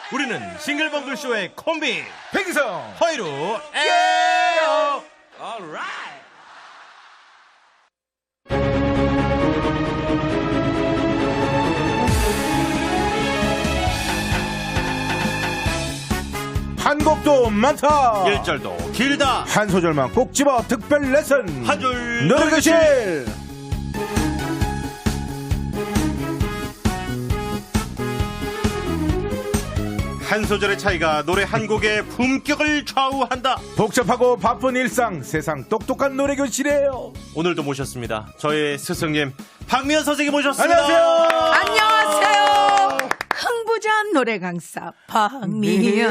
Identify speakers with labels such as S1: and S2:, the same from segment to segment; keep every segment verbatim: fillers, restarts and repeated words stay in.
S1: 우리는 싱글벙글쇼의 콤비
S2: 백이성
S1: 허이루 에어.
S2: 한 곡도 많다,
S1: 일 절도 길다,
S2: 한 소절만 꼭 집어 특별 레슨
S1: 한 줄
S2: 노래교실.
S1: 한 소절의 차이가 노래 한 곡의 품격을 좌우한다.
S2: 복잡하고 바쁜 일상, 세상 똑똑한 노래교실이에요.
S1: 오늘도 모셨습니다. 저의 스승님 박미연 선생님 모셨습니다.
S2: 안녕하세요.
S3: 안녕하세요. 흥부전 노래 강사 박미연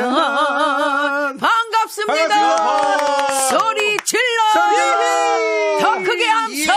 S3: 반갑습니다.
S2: 반갑습니다.
S3: 소리 질러
S2: 소리!
S3: 더 크게 함성.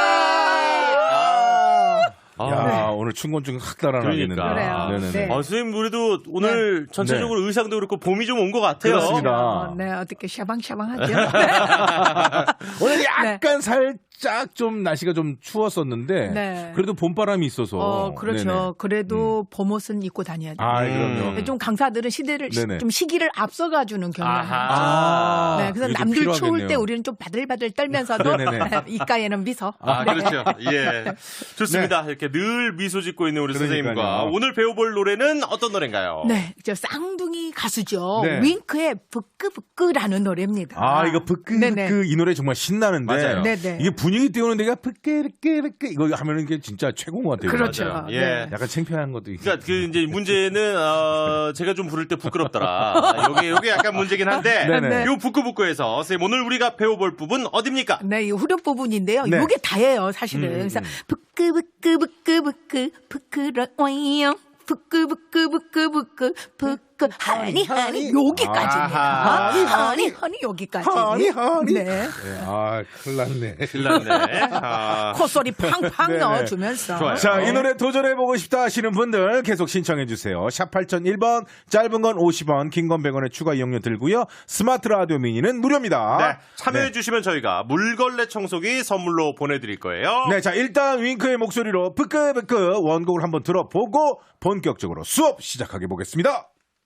S2: 야,
S1: 네.
S2: 오늘 춘곤증 확 달아나겠는데.
S1: 그러니까.
S3: 그래요.
S2: 네네네.
S3: 네.
S1: 아, 선생님 우리도 오늘
S3: 네.
S1: 전체적으로
S2: 네.
S1: 의상도 그렇고 봄이 좀 온 것 같아요.
S2: 그렇습니다.
S3: 어, 네, 어떻게 샤방샤방하죠?
S2: 오늘 약간 살짝 좀 날씨가 좀 추웠었는데
S3: 네.
S2: 그래도 봄바람이 있어서.
S3: 어, 그렇죠.
S2: 네네.
S3: 그래도 봄옷은 입고 다녀야 돼요.
S2: 아,
S1: 음.
S2: 그럼요.
S3: 좀 강사들은 시대를 시-
S2: 네네.
S3: 좀 시기를 앞서가 주는 경향이
S1: 아하.
S3: 있죠.
S2: 아,
S3: 네, 그래서
S2: 이게 좀
S3: 남들 추울
S2: 필요하겠네요.
S3: 때 우리는 좀 바들바들 떨면서도
S2: 네네네.
S3: 이가에는 미소.
S1: 아,
S3: 네.
S1: 그렇죠. 예. 좋습니다. 이렇게 늘 미소 짓고 있는 우리
S2: 그러니까요.
S1: 선생님과 오늘 배워볼 노래는 어떤 노래인가요?
S3: 네, 저 쌍둥이 가수죠.
S2: 네.
S3: 윙크의 부끄부끄라는 노래입니다.
S2: 아, 이거 브끄
S3: 네네.
S2: 브끄 이 노래 정말 신나는데.
S1: 맞아요.
S3: 네네.
S2: 이게 분위기 띄우는 데가 브끄 브끄 브끄 이거 하면은 이게 진짜 최고인 것 같아요.
S3: 그렇죠.
S1: 맞아요. 예.
S3: 네.
S2: 약간 창피한 것도 있고.
S1: 그러니까 그 이제 문제는 어, 제가 좀 부를 때 부끄럽더라. 요게 요게 약간 문제긴 한데
S2: 네네.
S1: 요 부끄부끄에서 선생님 오늘 우리가 배워볼 부분 어딥니까?
S3: 네, 이 후렴 부분인데요.
S2: 네.
S3: 이게 다예요, 사실은.
S2: 음,
S3: 그래서
S2: 음.
S3: 부끄부끄부끄부끄 부끄러워요. 부끄부끄부끄부끄 부끄 하니 하니 여기까지입니다.
S1: 아하.
S3: 하니 하니 하니 여기까지.
S2: 하니, 하니.
S3: 네.
S2: 네, 아, 큰일 났네.
S1: 신났네. 아,
S3: 콧소리 팡팡
S2: 네네.
S3: 넣어주면서.
S1: 좋아요.
S2: 자, 이 노래 도전해보고 싶다 하시는 분들 계속 신청해주세요. 샵 팔공공일 번, 짧은 건 오십 원, 긴 건 백 원의 추가 이용료 들고요. 스마트 라디오 미니는 무료입니다.
S1: 네, 참여해주시면 저희가 물걸레 청소기 선물로 보내드릴 거예요.
S2: 네, 자, 일단 윙크의 목소리로 부끄부끄 원곡을 한번 들어보고 본격적으로 수업 시작하게 보겠습니다.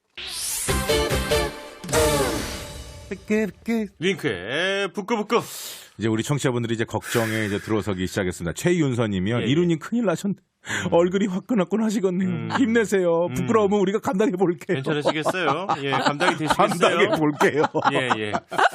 S2: 부끄부끄.
S1: 윙크의 부끄부끄.
S2: 이제 우리 청취자분들이 이제 걱정에 이제 들어서기 시작했습니다. 최윤서님이요.
S1: 예, 예.
S2: 이루님 큰일 나셨네. 얼굴이 화끈화끈하시겠네요.
S1: 음.
S2: 힘내세요. 부끄러우면 우리가 감당해 볼게요.
S1: 괜찮으시겠어요? 예, 감당이 되시겠어요?
S2: 감당해 볼게요.
S1: 예, 예.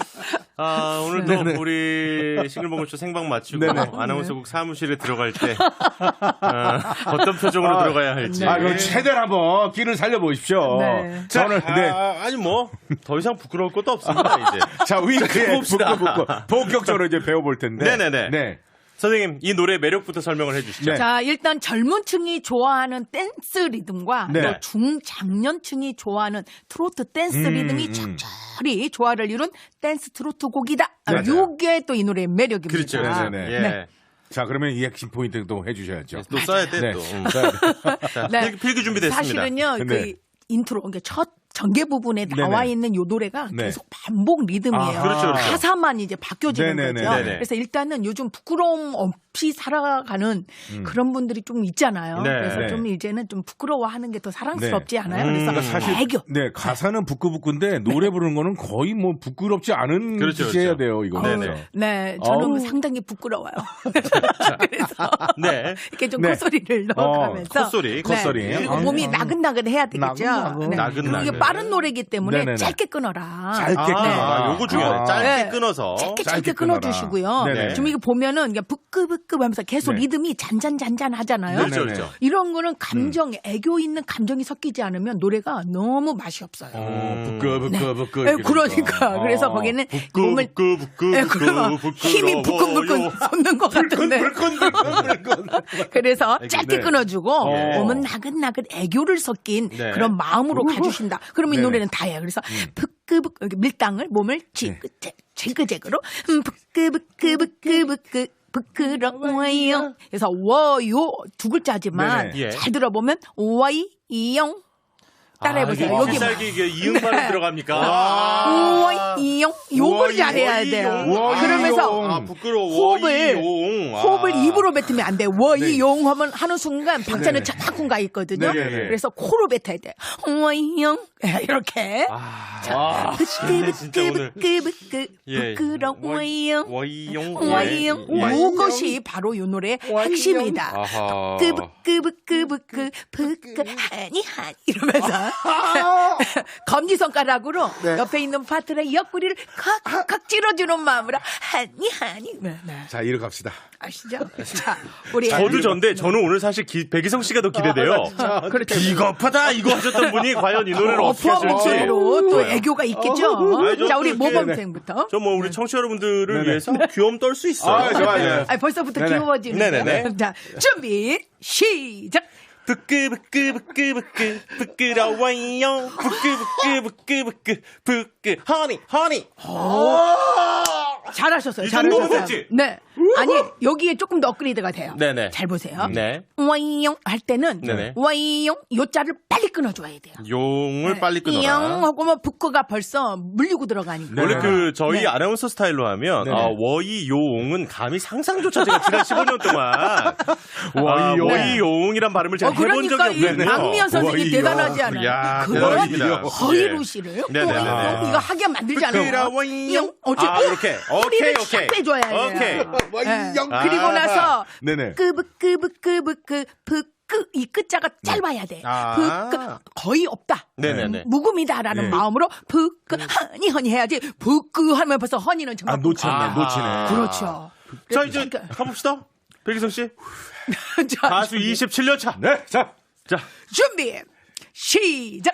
S1: 아, 오늘도
S2: 네네.
S1: 우리 싱글벙글쇼 생방 마치고
S2: 네네.
S1: 아나운서국 사무실에 들어갈 때 어, 어떤 표정으로
S2: 아,
S1: 들어가야 할지.
S2: 아, 그럼 최대한 한번 끼를 살려보십시오.
S3: 네.
S2: 자, 오늘, 네.
S1: 아, 아니 뭐 더 이상 부끄러울 것도 없습니다 이제.
S2: 자, 윙크의
S1: 봅시다.
S2: 부끄부끄. 본격적으로 이제 배워볼 텐데.
S1: 네네네.
S2: 네.
S1: 선생님 이 노래 매력부터 설명을 해주시죠.
S2: 네.
S3: 자, 일단 젊은 층이 좋아하는 댄스 리듬과
S2: 네.
S3: 또 중장년층이 좋아하는 트로트 댄스
S2: 음,
S3: 리듬이
S2: 음.
S3: 적절히 조화를 이룬 댄스 트로트 곡이다. 아,
S2: 맞아요.
S3: 요게 또 이 노래의 매력입니다.
S1: 그렇죠.
S2: 네네네.
S1: 예.
S3: 네.
S2: 자, 그러면 이 핵심 포인트도 해주셔야죠.
S1: 또 써야 돼
S2: 네.
S1: 또. 음. 자,
S3: 네.
S1: 필기, 필기 준비됐습니다.
S3: 사실은요,
S2: 네.
S3: 그 인트로, 그러니까 첫 전개 부분에 나와
S2: 네네.
S3: 있는 요 노래가
S2: 네.
S3: 계속 반복 리듬이에요.
S2: 아, 그렇죠,
S1: 그렇죠.
S3: 가사만 이제 바뀌어지는
S2: 네네네.
S3: 거죠.
S1: 네네.
S3: 그래서 일단은 요즘 부끄러움 없이 살아가는 그런 분들이 좀 있잖아요.
S1: 네.
S3: 그래서
S2: 네.
S3: 좀 이제는 좀 부끄러워하는 게 더 사랑스럽지
S2: 네.
S3: 않아요?
S1: 음,
S3: 그래서
S1: 그러니까
S2: 사실
S3: 애교.
S2: 네, 가사는 부끄부끄인데 노래 부르는 거는 거의 뭐 부끄럽지 않은
S1: 그렇죠,
S2: 짓이 해야
S1: 그렇죠.
S2: 돼요, 이거.
S1: 네네.
S2: 진짜.
S3: 네, 저는
S2: 어우.
S3: 상당히 부끄러워요. 그래서
S1: 네.
S3: 이렇게 좀
S2: 네.
S3: 콧소리를 넣어가면서
S1: 콧소리,
S2: 콧소리.
S3: 네. 그리고
S2: 아.
S3: 몸이 나긋나긋 해야 되겠죠.
S2: 나긋나긋.
S3: 네.
S1: 나긋나긋.
S3: 그리고 이게 빠른 노래이기 때문에
S2: 네네네.
S3: 짧게 끊어라.
S2: 짧게
S1: 아,
S2: 끊어라.
S1: 요거 중요해.
S2: 아.
S1: 짧게
S3: 네.
S1: 끊어서.
S3: 짧게
S2: 짧게
S3: 짧게
S2: 끊어라.
S3: 끊어주시고요.
S2: 네네.
S3: 지금 이거 보면은 이게 부끄부끄 하면서 계속
S2: 네.
S3: 리듬이 잔잔잔잔 하잖아요.
S1: 그렇죠,
S2: 네네.
S1: 그렇죠.
S3: 이런 거는 감정, 애교 있는 감정이 섞이지 않으면 노래가 너무 맛이 없어요.
S2: 어, 부끄부끄부끄.
S3: 네, 그러니까 그래서
S2: 아.
S3: 거기는
S1: 부끄,
S3: 몸을
S1: 부끄, 부끄,
S3: 네,
S1: 부끄,
S3: 그러면 힘이 부끈부끈
S1: 부끄러워요.
S3: 솟는 것 같은데
S2: 불끈, 불끈, 불끈.
S3: 그래서
S1: 네.
S3: 짧게 끊어주고
S2: 예.
S3: 몸은 나긋나긋 애교를 섞인
S1: 네.
S3: 그런 마음으로 가주신다. 그러면 이
S2: 네네.
S3: 노래는 다예요. 그래서 부끄부끄 이렇게 밀당을 몸을 지그재 지그재그로 음, 부끄부끄부끄부끄 부끄러워요. 그래서 워요 두 글자지만
S2: 네네.
S1: 예.
S3: 잘 들어보면 와이 이영 따라해보세요.
S1: 아,
S3: 여기
S1: 필살기 이게 이음발음
S3: 네.
S1: 들어갑니까?
S3: 와이 이영 요걸
S1: 와이,
S3: 잘해야
S1: 와이,
S3: 돼요.
S1: 용.
S3: 그러면서
S1: 아, 부끄러워.
S3: 호흡을
S1: 용. 아.
S3: 호흡을 호흡을 입으로 뱉으면 안 돼. 워이용 하면 하는 순간 박자는
S2: 네네.
S3: 저만큼 가 있거든요.
S2: 네네네.
S3: 그래서 코로 뱉어야 돼. 워이용 이렇게.
S1: 아,
S3: 부끄
S1: 진짜 오늘.
S3: 부끄 부끄
S1: 예.
S3: 부끄러워요.
S1: 와이용.
S3: 와이용. 요것이 바로 요 노래의 핵심이다.
S1: 아하.
S3: 부끄부끄부끄부끄 부끄 하니 하니 이러면서 검지 손가락으로 옆에 있는 파트너의 옆구리를 칵칵 찔러주는 마음으로 하니 하니. 네, 네.
S2: 자, 이로 갑시다.
S3: 아시죠? 자, 우리
S1: 저도 전데 저는 오늘 사실 기, 백이성 씨가 더 기대돼요.
S3: 그렇죠.
S1: 비겁하다 이거 하셨던 분이 과연 이 노래를 어떻게
S3: 어퍼
S1: 하실지.
S3: 목소리로 또 애교가 있겠죠.
S1: 아니, 저
S3: 자, 우리
S1: 또 이렇게-
S3: 모범생부터.
S1: 저 뭐 우리 청취자 여러분들을
S2: 네네.
S1: 위해서 귀여움 떨 수 있어요.
S2: 아, 좋아요.
S3: 아, 벌써부터
S2: 네네.
S3: 귀여워지는.
S1: 네네네.
S3: 자, 준비 시작.
S1: 부끄부끄부끄부끄 부끄러워요. 부끄부끄부끄부끄 부끄 허니 허니.
S3: 잘하셨어요.
S1: 이 정도면
S3: 잘하셨어요.
S1: 됐지?
S3: 네. 아니 여기에 조금 더 업그레이드가 돼요.
S1: 네네.
S3: 잘 보세요.
S1: 네.
S3: 와이용 할 때는
S1: 네네.
S3: 와이용 요자를 빨리 끊어줘야 돼요.
S1: 용을 빨리
S3: 용
S1: 끊어라.
S3: 하고 뭐 부끄가 벌써 물리고 들어가니까.
S1: 원래
S2: 네.
S1: 그 저희
S3: 네.
S1: 아나운서 스타일로 하면
S2: 네네.
S1: 아, 워이 요옹은 감히 상상조차 제가 지난 십오 년 동안 아,
S2: 워이 용.
S1: 워이 요옹이란 발음을 제가
S3: 어,
S1: 해본
S3: 그러니까
S1: 적이
S3: 이
S1: 없거든요.
S3: 박미연 선생님
S2: 워이용.
S3: 대단하지 않아요?
S1: 야,
S3: 그걸
S1: 대단합니다.
S3: 허이루 씨를
S1: 네네네.
S3: 워이용 이거 하게 만들지 않아요?
S1: 부끄러워요.
S3: 어째
S1: 아, 이렇게. 오케이,
S3: 소리를
S1: 오케이.
S3: 싹 빼줘야 돼요.
S1: 오케이.
S3: 네.
S2: 영.
S3: 그리고
S1: 아하.
S3: 나서
S2: 네네.
S3: 끄부끄부끄부끄 부끄 이 끝자가 짧아야 돼.
S1: 아.
S3: 부끄 거의 없다.
S1: 네네네.
S3: 묵음이다라는
S2: 네.
S3: 마음으로 부끄 허니 허니 해야지. 부끄 하면 벌써 허니는
S2: 아,
S3: 정말
S2: 놓치네,
S1: 아하.
S2: 놓치네.
S3: 그렇죠.
S1: 자 이제
S3: 그러니까-
S1: 가봅시다. 백이성 씨
S3: 자,
S1: 가수 이십칠 년 차.
S2: 네, 자.
S1: 자
S3: 준비 시작.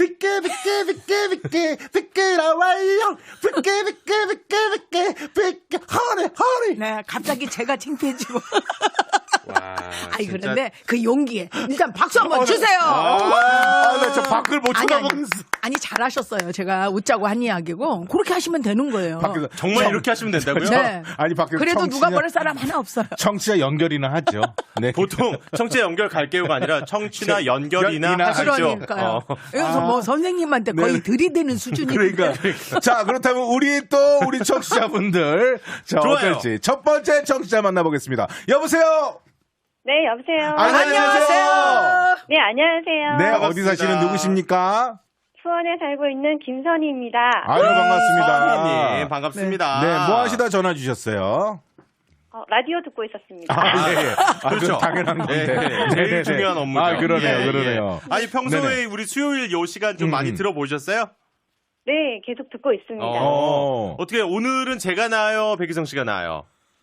S1: 부끄부끄부끄부끄 부끄러워요. 부끄부끄부끄부끄 부끄 허니 허니.
S3: 네, 갑자기 제가 창피해지고.
S1: 와.
S3: 아니
S1: 진짜.
S3: 그런데 그 용기에 일단 박수 한번 주세요.
S2: 아, 나 저 밖을 못
S3: 아니, 아니,
S2: 쳐다보겠어.
S3: 아니 잘하셨어요. 제가 웃자고 한 이야기고 그렇게 하시면 되는 거예요.
S2: 밖에서
S1: 정말
S2: 청-
S1: 이렇게 하시면 된다고요?
S3: 네.
S2: 아니, 밖에서
S3: 그래도
S2: 청취자-
S3: 누가 버릴 사람 하나 없어요.
S2: 청취자 연결이나 하죠. 네.
S1: 보통 청취자 연결 갈게요가 아니라 청취나 연결이나
S2: 연이나
S1: 하시죠.
S3: 그러니까요.
S1: 어.
S3: 여기서 뭐 선생님한테 거의
S2: 네.
S3: 들이대는 수준이.
S2: 그러니까. 자, 그렇다면 우리 또 우리 청취자분들 자,
S1: 좋아요.
S2: 어떨지 첫 번째 청취자 만나보겠습니다. 여보세요.
S4: 네, 여보세요.
S2: 아, 안녕하세요.
S4: 네, 안녕하세요.
S2: 네,
S1: 반갑습니다.
S2: 어디 사시는 누구십니까?
S4: 수원에 살고 있는 김선희입니다.
S2: 아유, 반갑습니다.
S1: 선생님 반갑습니다.
S2: 네, 뭐 하시다 전화 주셨어요?
S4: 어, 라디오 듣고 있었습니다.
S2: 아, 예, 예. 아,
S1: 그렇죠.
S2: 그건 당연한 건데.
S1: 네,
S2: 네네네.
S1: 제일 중요한 업무죠.
S2: 아, 그러네요,
S1: 예,
S2: 그러네요.
S1: 예. 아니 평소에
S2: 네네.
S1: 우리 수요일 요 시간 좀
S2: 음.
S1: 많이 들어보셨어요?
S4: 네, 계속 듣고 있습니다.
S2: 어.
S1: 어떻게 오늘은 제가 나아요, 백이성 씨가 나아요?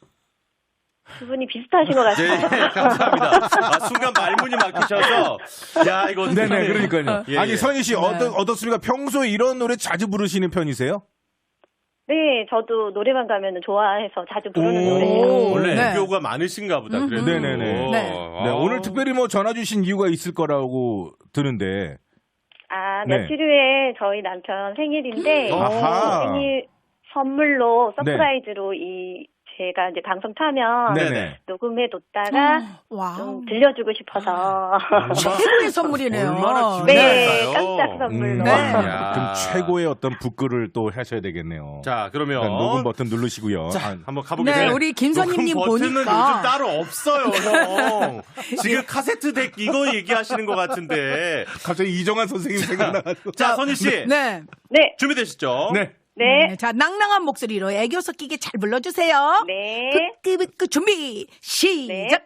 S4: 두 분이 비슷하신 것
S1: 네,
S4: 같아요.
S1: 감사합니다. 아, 순간 말문이 막히셔서 야 이거 어떡하냐.
S2: 네네, 그러니까요.
S1: 예,
S2: 아니,
S1: 예.
S2: 선희 씨, 어떻, 어떻습니까? 평소에 이런 노래 자주 부르시는 편이세요?
S4: 네, 저도 노래방 가면 좋아해서 자주 부르는
S2: 오.
S4: 노래예요.
S1: 원래
S3: 네.
S1: 애교가 많으신가 보다. 그래도.
S2: 네네네.
S3: 네.
S2: 네, 오늘 특별히 뭐 전화 주신 이유가 있을 거라고 드는데.
S4: 아,
S2: 네.
S4: 며칠 후에 저희 남편 생일인데
S2: 아하.
S4: 생일 선물로 서프라이즈로 이 제가 이제 방송 타면
S2: 네네.
S4: 녹음해 뒀다가
S3: 와.
S4: 좀 들려주고 싶어서
S3: 최고의 선물이네요.
S1: 얼마나
S4: 네,
S1: 기대할까요?
S4: 깜짝 선물로.
S3: 네.
S1: 야.
S2: 그럼 최고의 어떤 북글을 또 하셔야 되겠네요.
S1: 자 그러면
S2: 일단 녹음 버튼 누르시고요.
S1: 자,
S2: 아,
S1: 한번 가보겠습니다.
S3: 네, 우리 김선희님
S1: 녹음 버튼은
S3: 보니까.
S1: 요즘 따로 없어요, 형. 지금 카세트 덱 이거 얘기하시는 것 같은데.
S2: 갑자기 이정환 선생님 생각나가지고.
S1: 자, 선희 씨
S3: 네.
S4: 네,
S1: 준비되시죠?
S2: 네.
S4: 네,
S3: 네, 자, 낭낭한 목소리로 애교 섞이게 잘 불러주세요.
S4: 네.
S3: 부끄부끄 준비 시작.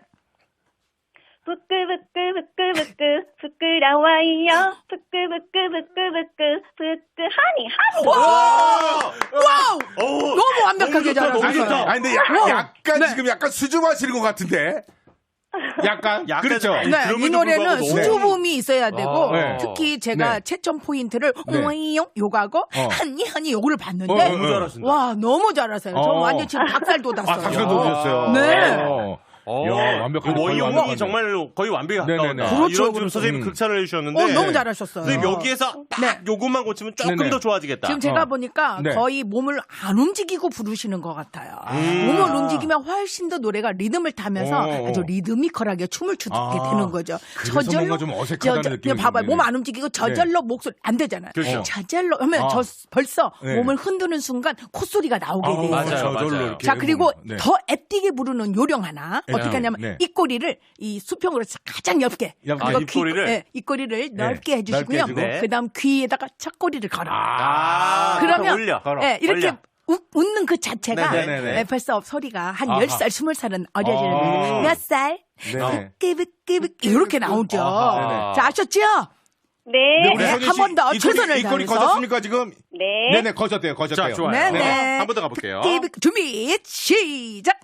S4: 부끄부끄부끄부끄 부끄러워요. 부끄부끄부끄부끄 부끄 하니 하니.
S3: 와우!
S1: 오,
S3: 너무 완벽하게
S1: 너무 좋다,
S3: 잘하셨어요.
S1: 너무 좋다.
S2: 아니, 근데 야,
S3: 어.
S2: 약간
S3: 네.
S2: 지금 약간 수줍어하시는 것 같은데. 약간.
S1: 약간
S2: 그렇죠.
S1: 아니,
S3: 네,
S1: 그럼에도
S3: 이 노래는
S1: 불구하고 너무-
S3: 수줍음이 있어야 되고
S1: 아, 네.
S3: 특히 제가
S2: 네.
S3: 채점 포인트를
S2: 네.
S3: 오이용 요가고
S2: 어.
S3: 한니 한니 요거를 봤는데
S2: 어,
S1: 너무 잘하신다.
S3: 와 너무 잘하세요. 저
S2: 어.
S3: 완전 지금 닭살 돋았어요.
S2: 아, 닭살 돋으셨어요.
S3: 네.
S2: 어.
S1: 어,
S2: 야, 완벽한
S1: 원이
S2: 거의
S1: 원이
S2: 완벽한데.
S1: 정말 거의 완벽에 가까운
S2: 네네네.
S1: 아,
S3: 그렇죠,
S1: 이런 지금
S3: 그렇죠.
S1: 선생님
S2: 음.
S1: 극찬을 해주셨는데
S3: 어, 너무 잘하셨어요.
S1: 선생님 여기에서 딱
S3: 네.
S1: 요것만 고치면 조금
S2: 네네.
S1: 더 좋아지겠다.
S3: 지금 제가
S2: 어.
S3: 보니까
S2: 네.
S3: 거의 몸을 안 움직이고 부르시는 것 같아요.
S1: 음.
S3: 몸을 움직이면 훨씬 더 노래가 리듬을 타면서
S2: 어.
S3: 아주 리드미컬하게 춤을 추게
S2: 아.
S3: 되는 거죠.
S2: 그래서 뭔가 좀 어색하다는
S3: 저, 저,
S2: 느낌이
S3: 봐봐요.
S2: 드는데.
S3: 몸 안 움직이고 저절로 목소리 안 되잖아요.
S1: 그렇죠.
S3: 저절로 하면
S2: 아.
S3: 저 벌써
S2: 네.
S3: 몸을 흔드는 순간 콧소리가 나오게 돼요.
S1: 맞아요,
S2: 저절로
S1: 맞아요.
S2: 이렇게
S3: 자, 그리고
S2: 해보면. 네.
S3: 더 애띠게 부르는 요령 하나.
S2: 네.
S3: 어떻게 하냐면
S2: 네.
S3: 입꼬리를 이 수평으로 가장 얇게.
S2: 얇게.
S3: 그리고
S1: 아, 입꼬리를?
S3: 귀, 네, 입꼬리를 넓게
S2: 넓게
S3: 해주시고요.
S2: 해주고.
S1: 네.
S3: 그다음 귀에다가 첫꼬리를 걸어.
S1: 아,
S3: 그러면
S1: 올려.
S2: 걸어.
S3: 네, 이렇게
S1: 올려.
S3: 우- 웃는 그 자체가
S2: 네네네.
S3: 네, 벌써 소리가 한
S2: 아하.
S3: 열 살, 스물 살은 어려지는
S2: 아.
S3: 거예요. 몇 살?
S2: 네네.
S3: 끄브끄브끄 이렇게 나오죠.
S2: 아하.
S3: 자, 아셨죠?
S4: 네.
S2: 우리
S3: 네,
S2: 선희
S3: 한
S2: 씨
S3: 번 더
S2: 입꼬리-
S3: 최선을
S2: 입꼬리
S3: 다해서.
S2: 거셨습니까 지금?
S4: 네.
S2: 네네 거셨대요 거셨대요.
S1: 자, 좋아요.
S3: 네네.
S1: 네. 한 번 더 가볼게요.
S3: 끄브끄 준비, 시작!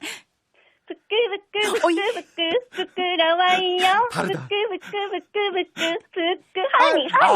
S4: 부끄부끄
S3: 어이.
S4: 부끄부끄 부끄러워요. 부끄부끄 부끄부끄 부끄 하니 하니.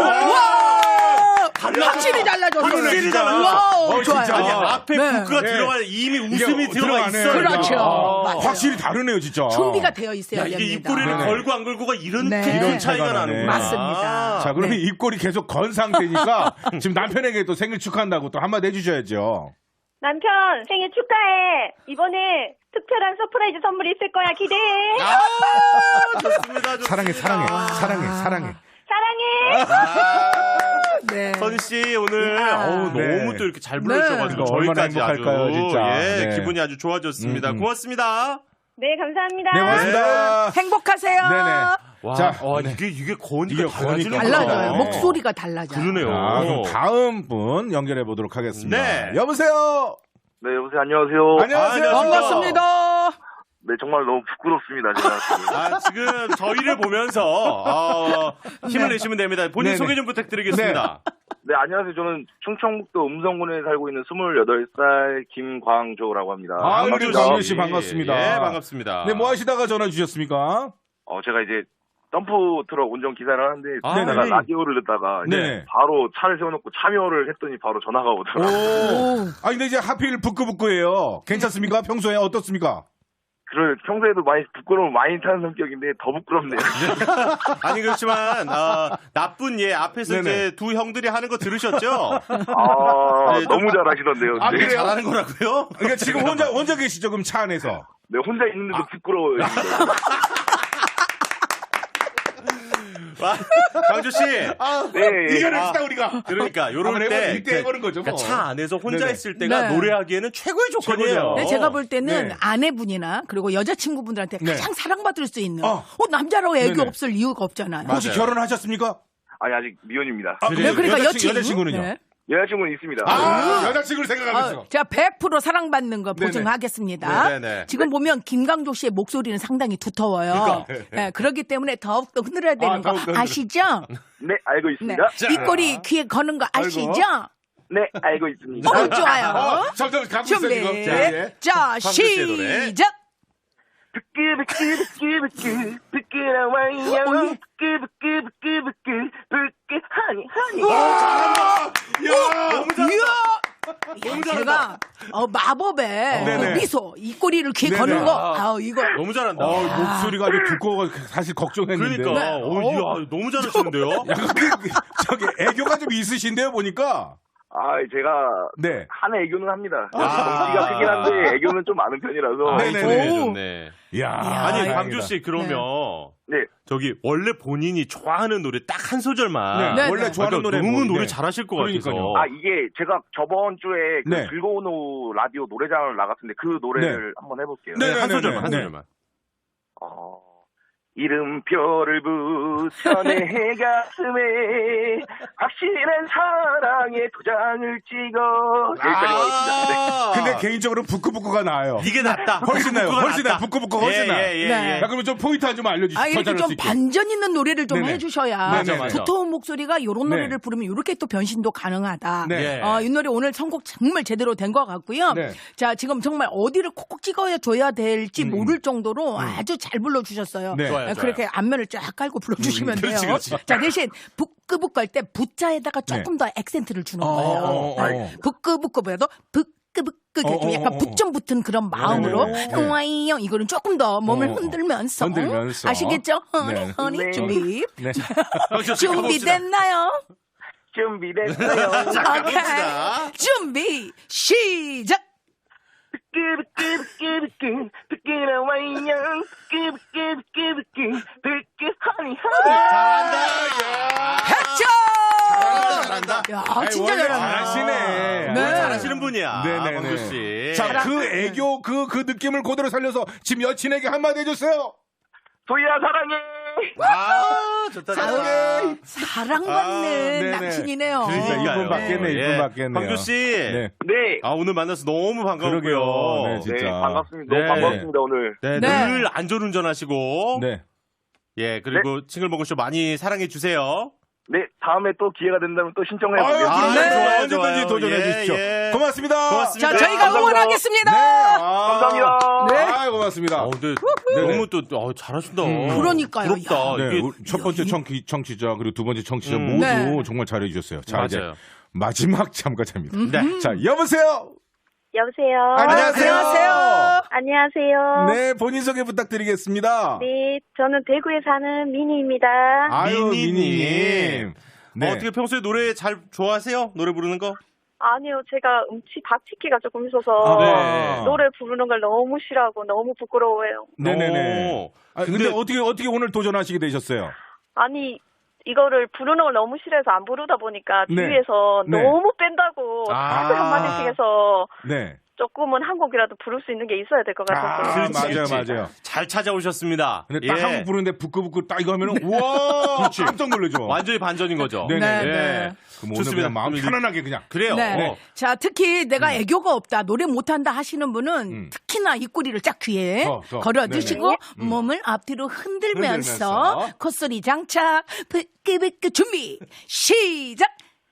S3: 와! 확실히 달라졌어요.
S1: 확실히
S2: 진짜.
S3: 와우,
S2: 어,
S3: 좋아요.
S2: 진짜.
S1: 아니 앞에
S3: 네.
S1: 부크가
S2: 네.
S1: 들어가 이미
S2: 이게
S1: 웃음이 들어가
S2: 들어가네.
S1: 있어요.
S3: 그렇죠.
S1: 아.
S3: 맞아요.
S2: 확실히 다르네요 진짜.
S3: 준비가 되어 있어야
S1: 야, 이게
S3: 됩니다.
S1: 입꼬리를
S2: 네네.
S1: 걸고 안 걸고가 이런
S3: 네.
S1: 큰
S3: 이런
S1: 차이가
S2: 차이가
S1: 나는구나.
S2: 나네.
S3: 맞습니다.
S2: 자 그러면
S3: 네.
S2: 입꼬리 계속 건 상태니까 지금 남편에게 또 생일 축하한다고 또 한마디 해주셔야죠.
S4: 남편 생일 축하해. 이번에 특별한 서프라이즈 선물이 있을 거야. 기대해.
S1: 아, 좋습니다. 좋습니다.
S2: 사랑해 사랑해 사랑해 사랑해.
S4: 사랑해.
S1: 아,
S3: 네.
S1: 선희 씨 오늘
S3: 야.
S1: 어우,
S2: 네.
S1: 너무 또 이렇게 잘
S3: 네.
S1: 불러주셔가지고
S2: 이거 얼마나
S1: 저희까지 아주
S2: 행복할까요, 진짜.
S1: 예,
S2: 네.
S1: 기분이 아주 좋아졌습니다.
S2: 음, 음.
S1: 고맙습니다.
S4: 네, 감사합니다.
S2: 네 고맙습니다.
S3: 행복하세요.
S2: 네네.
S1: 와,
S2: 자,
S1: 와,
S2: 네.
S1: 이게 이게 거니까
S2: 이게
S1: 달라지는
S2: 거니까.
S3: 달라져요.
S2: 네.
S3: 목소리가 달라져요.
S1: 그러네요.
S2: 자, 그럼 다음 분 연결해 보도록 하겠습니다.
S1: 네.
S2: 여보세요.
S5: 네, 여보세요. 안녕하세요.
S2: 안녕하세요.
S1: 아,
S3: 반갑습니다.
S5: 네, 정말 너무 부끄럽습니다. 제가 지금.
S1: 아, 지금 저희를 보면서 어, 힘을
S2: 네.
S1: 내시면 됩니다. 본인
S2: 네네.
S1: 소개 좀 부탁드리겠습니다.
S5: 네, 안녕하세요. 저는 충청북도 음성군에 살고 있는 스물여덟 살 김광조라고 합니다.
S2: 아, 우리
S1: 광주
S2: 광주 씨 반갑습니다.
S1: 예, 반갑습니다.
S2: 네, 뭐 하시다가 전화 주셨습니까?
S5: 어, 제가 이제 덤프 트럭 운전 기사를 하는데
S1: 아,
S5: 제가
S1: 네.
S5: 라디오를 듣다가 이제
S2: 네.
S5: 바로 차를 세워놓고 참여를 했더니 바로 전화가 오더라고요.
S2: 오. 아, 근데 이제 하필 부끄부끄해요. 괜찮습니까? 평소에 어떻습니까?
S5: 그래, 평소에도 많이 부끄러움 많이 타는 성격인데 더 부끄럽네요.
S1: 아니 그렇지만 어, 나쁜 예 앞에서
S2: 네네.
S1: 이제 두 형들이 하는 거 들으셨죠?
S5: 아,
S1: 네,
S5: 너무 잘하시던데요.
S2: 아,
S5: 네.
S1: 되게
S2: 그래요?
S1: 잘하는 거라고요?
S2: 그러니까 지금 혼자 혼자 계시죠? 그럼 차 안에서.
S5: 네, 혼자 있는데도
S2: 아.
S5: 부끄러워요. 진짜.
S1: 와, 강조 씨.
S2: 아,
S5: 네.
S2: 이겨냅시다 우리가.
S1: 그러니까 요럴
S2: 한번
S1: 때
S2: 해보- 이때 해보는 거죠, 뭐.
S1: 그러니까 차 안에서 혼자
S2: 네네.
S1: 있을 때가
S3: 네.
S1: 노래하기에는 최고의 조건이에요.
S2: 최고죠.
S3: 네, 제가 볼 때는
S2: 네.
S3: 아내분이나 그리고 여자친구분들한테
S2: 네.
S3: 가장 사랑받을 수 있는
S2: 어.
S3: 어, 남자라고 애교
S2: 네네.
S3: 없을 이유가 없잖아요.
S2: 혹시
S1: 맞아요.
S2: 결혼하셨습니까?
S5: 아니, 아직 미혼입니다.
S2: 아,
S3: 네, 그러니까
S2: 여자친-
S3: 여친.
S2: 여자친구는요?
S3: 네.
S5: 여자친구는 있습니다.
S2: 아, 여자친구를 생각하고
S3: 아,
S2: 있어.
S3: 제가 백 퍼센트 사랑받는 거
S2: 네네.
S3: 보증하겠습니다.
S1: 네네.
S3: 지금 보면 김강조 씨의 목소리는 상당히 두터워요. 네, 그렇기 때문에 더욱더 흔들어야 되는
S2: 아,
S3: 거
S2: 더욱더 흔들어.
S3: 아시죠?
S5: 네, 알고
S3: 네.
S5: 있습니다.
S2: 자.
S3: 입꼬리 귀에 거는 거 아시죠?
S5: 네, 알고 있습니다.
S3: 어, 좋아요.
S2: 어, 점점 가고 있어
S3: 준비.
S2: 지금. 자, 예.
S3: 자,
S1: 씨의 노래.
S3: 시작.
S5: 부끄부끄부끄부끄 부끄러워요. 부끄부끄부끄부끄 부끄 하니 하니.
S2: 야,
S3: 이야! 제가 어, 마법의
S2: 네네.
S3: 어, 미소, 입꼬리를 귀에
S2: 네네.
S3: 거는 거,
S1: 아.
S3: 아, 이거
S1: 너무 잘한다.
S2: 어, 목소리가 아주 두꺼워 사실 걱정했는데.
S1: 그러니까
S3: 네.
S1: 어, 이야, 너무 잘하시는데요?
S2: 약간 그, 저기 애교가 좀 있으신데요 보니까.
S5: 아, 제가
S2: 네.
S5: 한 애교는 합니다.
S1: 아.
S5: 덩치가 크긴 한데 애교는 좀 많은 편이라서.
S1: 아,
S2: 네네네.
S1: 좋네,
S3: 오.
S1: 좋네.
S2: 이야.
S1: 아니,
S2: 다행이다.
S1: 강조 씨 그러면
S5: 네.
S1: 저기 원래 본인이 좋아하는 노래 딱 한 소절만
S2: 네,
S3: 네,
S2: 원래
S3: 네.
S2: 좋아하는
S1: 그러니까
S2: 노래
S1: 너무
S2: 뭐,
S1: 노래
S2: 네.
S1: 잘하실 것
S2: 그러니까요.
S1: 같아서.
S5: 아, 이게 제가 저번 주에 그
S2: 네.
S5: 즐거운 오후 라디오 노래장을 나갔는데 그 노래를 한번 해볼게요.
S2: 네.
S1: 한 소절만,
S2: 네,
S1: 한
S2: 네.
S1: 소절만.
S5: 어, 이름표를 붙여 내 가슴에 확실한 사랑의 도장을 찍어 여기까지 가겠습니다. 네.
S1: 아,
S2: 근데 개인적으로 부끄부끄가 나아요.
S1: 이게 낫다.
S2: 훨씬 나요.
S1: 부끄부끄가
S2: 훨씬 나요.
S1: 낫다.
S2: 부끄부끄가 훨씬
S1: 예,
S2: 나요.
S1: 예, 예,
S3: 네.
S1: 예.
S2: 자, 그러면 좀 포인트 한 좀 알려주시죠.
S3: 아,
S2: 더
S3: 이렇게
S2: 잘할
S3: 좀
S2: 수 있게.
S3: 반전 있는 노래를 좀
S2: 네네.
S3: 해주셔야
S2: 맞아, 맞아.
S3: 두터운 목소리가 이런
S2: 네.
S3: 노래를 부르면 이렇게 또 변신도 가능하다.
S2: 네.
S1: 예.
S3: 어, 이 노래 오늘 선곡 정말 제대로 된 것 같고요.
S2: 네.
S3: 자, 지금 정말 어디를 콕콕 찍어야 줘야 될지 모를 정도로 아주 잘 불러주셨어요.
S2: 네.
S1: 좋아요,
S3: 네, 그렇게 앞면을 쫙 깔고 불러주시면
S1: 음,
S3: 돼요.
S1: 그렇지, 그렇지.
S3: 자, 대신 부끄부끄 할 때 부자에다가 조금 더 액센트를 주는
S2: 어,
S3: 거예요.
S2: 어, 어,
S3: 네.
S2: 어.
S3: 부끄부끄보다도 부끄부끄
S2: 어,
S3: 좀
S2: 어,
S3: 약간
S2: 어, 어.
S3: 붙점 붙은 그런 마음으로
S2: 네네네.
S3: 와이요 이거는 조금 더 몸을
S2: 어, 어.
S3: 흔들면서,
S2: 흔들면서.
S3: 아시겠죠? 허니
S2: 네.
S3: 허니
S5: 네.
S3: 준비
S2: 네.
S3: 준비됐나요?
S5: 준비됐어요.
S3: 오케이 준비 시작.
S5: 부끄부끄부끄부끄 부끄러워요. 부끄부끄부끄부끄 부끄 허니 허니.
S1: 잘한다.
S3: 백점.
S1: 잘한다.
S3: 야
S2: 아이,
S3: 진짜
S2: 원래
S3: 잘한다.
S2: 잘하시네.
S3: 네.
S1: 잘하시는 분이야.
S2: 네네네.
S1: 광주 씨.
S2: 자, 그 애교, 그, 그 느낌을 그대로 살려서 지금 여친에게 한마디 해줬어요.
S5: 도희야 사랑해.
S1: 아, 좋다. 좋다.
S3: 사랑받는
S2: 네네.
S3: 남친이네요.
S1: 그러니까요.
S2: 이분 받겠네, 이분
S1: 예.
S2: 받겠네요.
S1: 광주 씨.
S2: 네.
S5: 네.
S1: 아, 오늘 만나서 너무 반가웠고요.
S2: 그러게요. 네, 진짜.
S5: 네, 반갑습니다.
S1: 네.
S5: 너무 반갑습니다, 오늘.
S1: 네,
S3: 네.
S1: 늘 안전운전하시고.
S2: 네.
S1: 예, 그리고 싱글벙글쇼 많이 사랑해 주세요.
S5: 네, 다음에 또 기회가 된다면 또 신청해
S2: 아유,
S5: 보겠습니다.
S1: 아,
S2: 그럼요.
S1: 네, 좋아요,
S2: 언제든지
S1: 좋아요.
S2: 도전해
S1: 예,
S2: 주십시오.
S1: 예.
S2: 고맙습니다.
S1: 고맙습니다.
S3: 자,
S1: 네,
S3: 저희가
S5: 감사합니다.
S3: 응원하겠습니다.
S2: 네. 아,
S5: 감사합니다.
S3: 네.
S2: 아, 고맙습니다.
S1: 어, 근데
S2: 네네.
S1: 너무 또 어, 잘하신다.
S3: 그러니까요.
S1: 부럽다.
S3: 야.
S2: 네,
S1: 이게
S2: 우리 첫 번째 청취, 청취자 그리고 두 번째 청취자
S1: 음.
S2: 모두
S3: 네.
S2: 정말 잘해주셨어요. 자, 이제
S1: 맞아요.
S2: 마지막 참가자입니다.
S1: 네.
S2: 자, 여보세요.
S4: 여보세요.
S2: 안녕하세요.
S3: 안녕하세요.
S4: 안녕하세요.
S2: 네, 본인 소개 부탁드리겠습니다.
S4: 네, 저는 대구에 사는 미니입니다.
S2: 아유,
S1: 미니님.
S2: 미니님. 네.
S1: 어, 어떻게 평소에 노래 잘 좋아하세요? 노래 부르는 거?
S4: 아니요, 제가 음치 박치기가 조금 있어서
S2: 아,
S1: 네.
S4: 노래 부르는 걸 너무 싫어하고 너무 부끄러워해요.
S2: 네네네.
S1: 오.
S2: 아, 근데,
S1: 근데-
S2: 어떻게, 어떻게 오늘 도전하시게 되셨어요?
S4: 아니, 이거를 부르는 걸 너무 싫어해서 안 부르다 보니까
S2: 네.
S4: 주위에서
S2: 네.
S4: 너무 뺀다고
S1: 아.
S4: 다들 한마디씩 해서
S2: 네.
S4: 조금은 한 곡이라도 부를 수 있는 게 있어야 될 것 같아서.
S2: 아,
S1: 그렇지,
S2: 맞아요,
S1: 그렇지.
S2: 맞아요.
S1: 잘 찾아오셨습니다.
S2: 근데 딱
S1: 예.
S2: 한국 부르는데 부끄부끄 딱 이거 하면은, 우와! 깜짝 놀라죠.
S1: 완전히 반전인 거죠.
S2: 네네.
S3: 네,
S1: 예.
S3: 네.
S2: 그럼 오늘
S1: 좋습니다.
S2: 그냥 마음
S1: 오늘
S2: 편안하게 그냥.
S1: 그래요.
S3: 네.
S1: 어.
S3: 자, 특히 내가 애교가 없다, 노래 못한다 하시는 분은
S2: 음.
S3: 특히나 입꼬리를 쫙 귀에
S2: 더, 더.
S3: 걸어두시고
S2: 네네. 음.
S3: 몸을 앞뒤로 흔들면서,
S2: 흔들면서.
S3: 콧소리 장착, 부끄부끄 준비, 시작!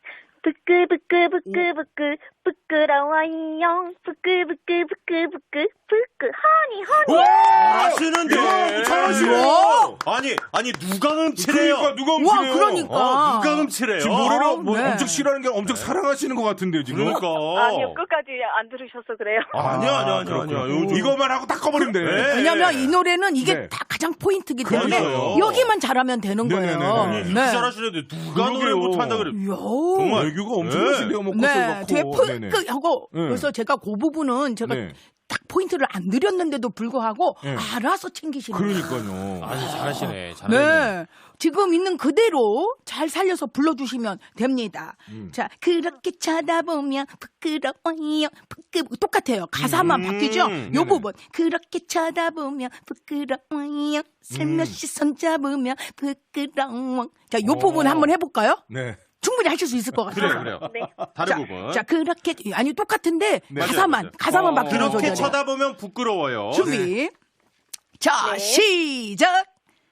S4: 부끄부끄부끄부끄 부끄러워요. 부끄부끄부끄부끄 부끄 허니 허니.
S1: 잘하시는데.
S2: 이야, 잘하시네.
S3: 우와.
S1: 아니, 아니, 누가 음치래요?
S2: 그러니까 누가
S3: 와,
S2: 음치래요?
S3: 그러니까.
S1: 어, 누가 음치래요?
S2: 지금 노래를
S3: 아,
S2: 뭐
S3: 네.
S2: 엄청 싫어하는 게 엄청 사랑하시는 것 같은데요, 지금.
S1: 그러니까.
S4: 아니요, 끝까지 안 들으셔서 그래요.
S1: 아니야, 아니야, 아니야,
S2: 그렇구나.
S1: 아니야. 요즘-
S2: 이거만 하고 딱 꺼버리면 돼.
S1: 네.
S3: 왜냐면 이 노래는 이게
S2: 네.
S3: 다 가장 포인트이기 때문에
S1: 그러니까요.
S3: 여기만 잘하면 되는
S2: 네네네네.
S3: 거예요.
S2: 아니,
S1: 이렇게 잘하시는데 누가 노래
S2: 그러게요.
S1: 못한다 그래.
S3: 이야.
S1: 정말.
S2: 애교가 엄청
S1: 네.
S2: 하시네요, 뭐
S3: 네,
S2: 콧소리
S3: 되게
S2: 넣고. 네네.
S3: 푸크 하고
S2: 네.
S3: 그래서 제가 그 부분은 제가
S2: 네.
S3: 딱 포인트를 안 드렸는데도 불구하고
S2: 네.
S3: 알아서 챙기시는 거예요.
S2: 그러니까요.
S1: 아니, 잘하시네. 잘하시네.
S3: 네. 지금 있는 그대로 잘 살려서 불러주시면 됩니다.
S2: 음.
S3: 자, 그렇게 쳐다보면 부끄러워요. 부끄, 똑같아요. 가사만
S1: 음,
S3: 바뀌죠? 요
S2: 네네.
S3: 부분. 그렇게 쳐다보면 부끄러워요. 슬며시 손잡으면 부끄러워. 자, 요
S2: 오.
S3: 부분 한번 해볼까요?
S2: 네.
S3: 충분히 하실 수 있을 것 같아요.
S1: 그래요, 그래요.
S4: 네.
S1: 다른
S3: 자,
S1: 부분.
S3: 자, 그렇게, 아니, 똑같은데,
S2: 네.
S3: 가사만,
S1: 맞아요, 맞아요.
S3: 가사만
S2: 어,
S3: 바뀌는
S1: 그렇게
S3: 소리예요.
S1: 쳐다보면 부끄러워요.
S3: 준비. 자,
S4: 네.
S3: 시작!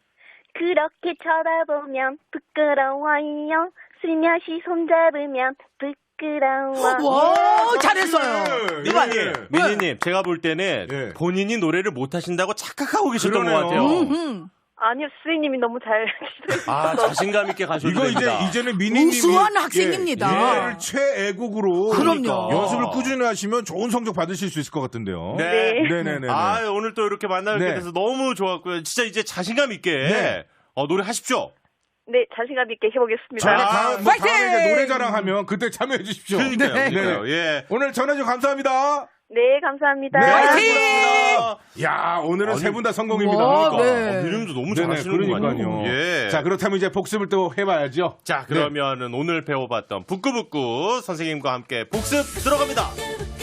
S4: 그렇게 쳐다보면 부끄러워요. 슬며시 손잡으면 부끄러워.
S3: 와, 잘했어요.
S2: 네.
S3: 이봐.
S1: 미니님, 미니님, 제가 볼 때는
S2: 네.
S1: 본인이 노래를 못하신다고 착각하고 계셨던
S2: 그러네요.
S1: 것 같아요.
S3: 음,
S4: 아니요, 스님이 너무 잘.
S1: 아, 자신감 있게 가셔도
S2: 이거 이제
S1: 됩니다.
S2: 이제는 미니님이
S3: 우수한 학생입니다.
S2: 예, 노래를 최애곡으로
S3: 그럼요.
S2: 연습을 꾸준히 하시면 좋은 성적 받으실 수 있을 것 같은데요.
S1: 네.
S2: 네네네.
S1: 아, 오늘 또 이렇게 만나게
S2: 네.
S1: 돼서 너무 좋았고요. 진짜 이제 자신감 있게
S2: 네.
S1: 어, 노래 하십시오.
S4: 네, 자신감 있게 해보겠습니다.
S2: 저희가
S1: 아,
S2: 다음, 뭐
S3: 파이팅!
S2: 다음에 이제 노래 자랑하면 그때 참여해 주십시오.
S1: 그러니까요.
S3: 네.
S1: 그러니까요. 예.
S2: 오늘 전화주 감사합니다.
S4: 네, 감사합니다.
S2: 네.
S1: 고맙습니다.
S2: 야, 오늘은
S1: 아니,
S2: 세 분 다 성공입니다.
S3: 와,
S2: 그러니까.
S3: 네.
S1: 어, 미님도 너무
S2: 네네,
S1: 잘하시는군요.
S2: 그러니까요.
S1: 예.
S2: 자, 그렇다면 이제 복습을 또 해봐야죠.
S1: 자, 그러면은 오늘 배워봤던 북구북구 선생님과 함께 복습 들어갑니다.